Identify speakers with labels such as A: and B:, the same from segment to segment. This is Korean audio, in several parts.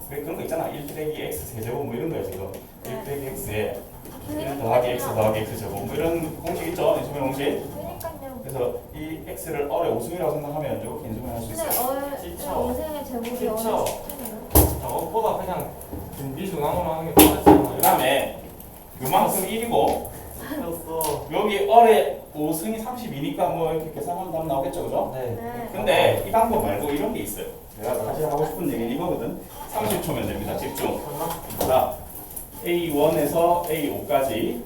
A: 왜 그런 거 있잖아. 1 빼기 x 세제곱 뭐 이런 거야 지금.
B: 네.
A: 1 빼기 x에 1 더하기 x 더하기 x 제곱 뭐 이런 공식 있죠? 인수분 공식.
B: 그러니까요.
A: 그래서 이 x를 어의 오승이라고 생각하면 이렇게 인수분 할수
B: 근데
A: 있어요.
C: 그쵸.
B: 인생의 제목이
C: 그쵸.
B: 어느 시점이에요?
C: 저것보다 그냥 준비중앙으로 하는 게 편하잖아요.
A: 그 다음에 요만큼 1이고
C: 였어.
A: 여기 어의 5승이 32니까 뭐 이렇게 계산하면 답 나오겠죠, 그죠?
C: 네.
B: 네.
A: 근데 이 방법 말고 이런 게 있어요. 내가 사실 하고 싶은 얘기는 이거거든. 30초면 됩니다. 집중. 자, A1에서 A5까지,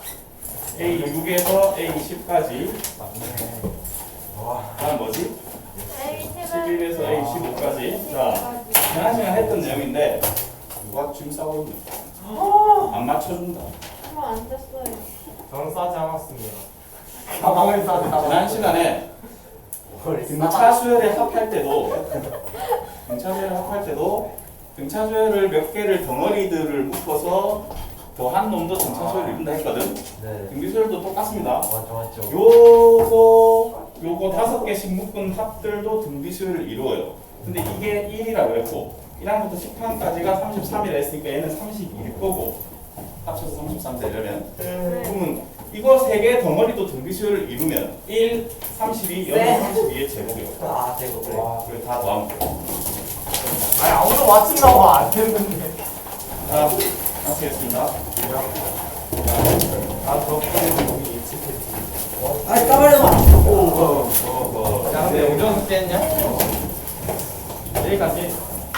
A: A6에서 A10까지,
C: 맞네. 와.
A: 다음 뭐지? 11에서
B: A10에서
A: A15까지. 자, 지난 시간 했던 내용인데 누가 지금 싸우는 안 맞춰준다.
B: 안 됐어요.
C: 저는 싸지 않았습니다. 가방을 싸지
A: 지난 시간에 등차 수열에 합할 때도 등차 수열을 몇 개를 덩어리들을 묶어서 더한 놈도 등차 수열을 이룬다 했거든.
C: 네.
A: 등비 수열도 똑같습니다.
C: 맞죠.
A: 요거 5개씩 묶은 합들도 등비 수열을 이루어요. 근데 이게 1이라고 했고 1항부터 10항까지가 33이라 했으니까 얘는 32일 거고 합쳐서 33 되려면 그러면 이거 3개 덩어리도 등비 수열을 이루면 1, 32,
B: 네.
A: 32의 제곱이에요.
C: 아, 제곱.
A: 그래. 그리고 다 더하면 돼.
C: 아니, 아무도 맞힌다고 안 했는데.
A: 자, 마치겠습니다.
C: 아, 저 여기 예측했지.
D: 아이 까발려봐.
C: 야, 근데 우정 깼냐? 여기까지.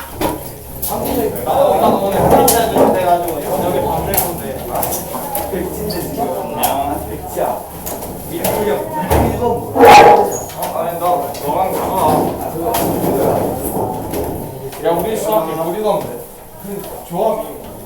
C: 나도 오늘 프린트해 주면 돼가지고 저녁에 밤 낼 건데.
A: 안녕.
D: 백지야. 밀풀력 1번
C: 아니, 너랑 야, 우리 수학이 우리가 조합이